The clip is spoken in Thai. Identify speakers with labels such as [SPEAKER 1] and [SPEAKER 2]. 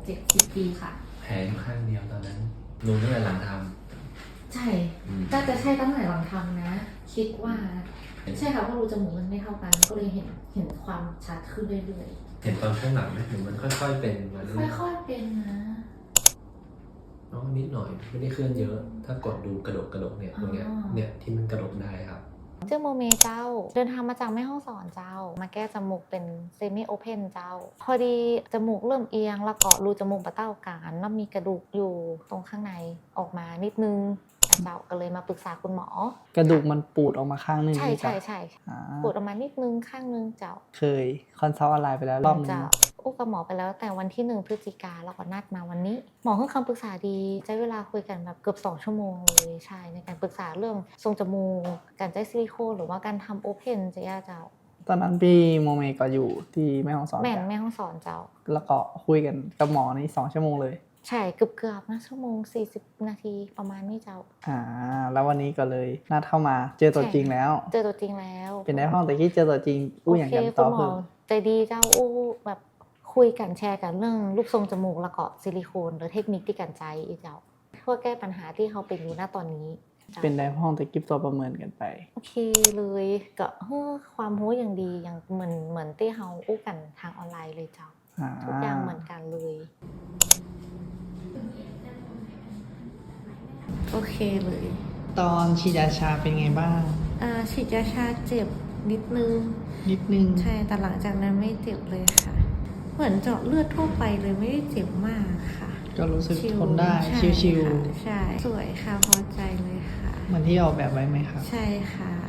[SPEAKER 1] 60-70 ปีค่ะ
[SPEAKER 2] แผลอยู่ข้างเดียวตอนนั้นรู้ตั้งแต่หลังท
[SPEAKER 1] ำใช่น่าจะใช่ตั้งแต่หลังทำนะคิดว่าใช่ค่ะเพราะรูจมูกมันไม่เท่ากันก็เลยเห็นความชัดขึ้นเรื่อย
[SPEAKER 2] เห็นตอนข้างหลังไหมหรือมันค่อยๆเป็นมาเรื่อย
[SPEAKER 1] ๆค่อยๆเป็นนะ
[SPEAKER 2] น้องนิดหน่อยไม่ได้เคลื่อนเยอะ ถ้ากดดูกระดกเนี่ยตรงเนี้ยเนี่ยที่มันกระดกได้ครับ
[SPEAKER 3] ชื่อโมเมเจ้าเดินทางมาจากแม่ฮ่องสอนเจ้ามาแก้จมูกเป็นเซมิโอเพนเจ้าพอดีจมูกเริ่มเอียงแล้วก็รูจมูกปะเต้าการแล้วมีกระดูกอยู่ตรงข้างในออกมานิดนึงเจ้าก็เลยมาปรึกษาคุณหมอก
[SPEAKER 4] ระดูกมันปูดออกมาข้างนึง
[SPEAKER 3] ใช่ปวดออกมานิดนึงข้างนึงเจ้า
[SPEAKER 4] เคยคอนซัลท์ออนไลน์ไปแล้วรอบนึง
[SPEAKER 3] เจ้าอู้กับหมอไปแล้วแต่วันที่1 พฤศจิกาแล้วก็นัดมาวันนี้หมอให้คำปรึกษาดีใช้เวลาคุยกันแบบเกือบ2 ชั่วโมงเลยใช่ในการปรึกษาเรื่องทรงจมูกการใช้ซิลิโคนหรือว่าการทำโอเพนเจ้า
[SPEAKER 4] ตอนนั้นพี่โมเมก็อยู่ที่แม่ฮ่องสอน
[SPEAKER 3] แม่ฮ่องสอนเจ้า
[SPEAKER 4] แล้วก็คุยกันกับหมอนี่2 ชั่วโมงเลย
[SPEAKER 3] ใช่เกือบนะชั่วโมง40 นาทีประมาณนี้เจ้า
[SPEAKER 4] แล้ววันนี้ก็เลยนัดเข้ามาเจอตัวจริงแล้ว
[SPEAKER 3] เจอตัวจริงแล้ว
[SPEAKER 4] เป็นในห้องแต่ที่เจอตัวจริงอู้อย่างกันต่อคือ
[SPEAKER 3] ใจดีเจ้าอู้แบบคุยกันแชร์กันเรื่องรูปทรงจมูกแล้วก็ซิลิโคนหรือเทคนิคที่กันใจอีเจ้าเพื่อแก้ปัญหาที่เขาเป็นอยู่ณตอนนี้
[SPEAKER 4] เป็นในห้องแต่กิฟต์ตัวประเมินกันไป
[SPEAKER 3] โอเคเลยก็ความรู้อย่างดีอย่างเหมือนที่เขาอู้กันทางออนไลน์เลยเจ้าทุกอย่างเหมือนกันเลยโอเคเลย
[SPEAKER 4] ตอนฉีดยาชาเป็นไงบ้าง
[SPEAKER 3] ฉีดยาชาเจ็บนิดนึงใช่แต่หลังจากนั้นไม่เจ็บเลยค่ะเหมือนเจาะเลือดทั่วไปเลยไม่ได้เจ็บมากค่ะ
[SPEAKER 4] ก็รู้สึกทนได้ชิว
[SPEAKER 3] ๆใช่สวยค่ะพอใจเลยค่ะ
[SPEAKER 4] เหมือนที่ออกแบบไว้ไหมครับ
[SPEAKER 3] ใช่ค่ะ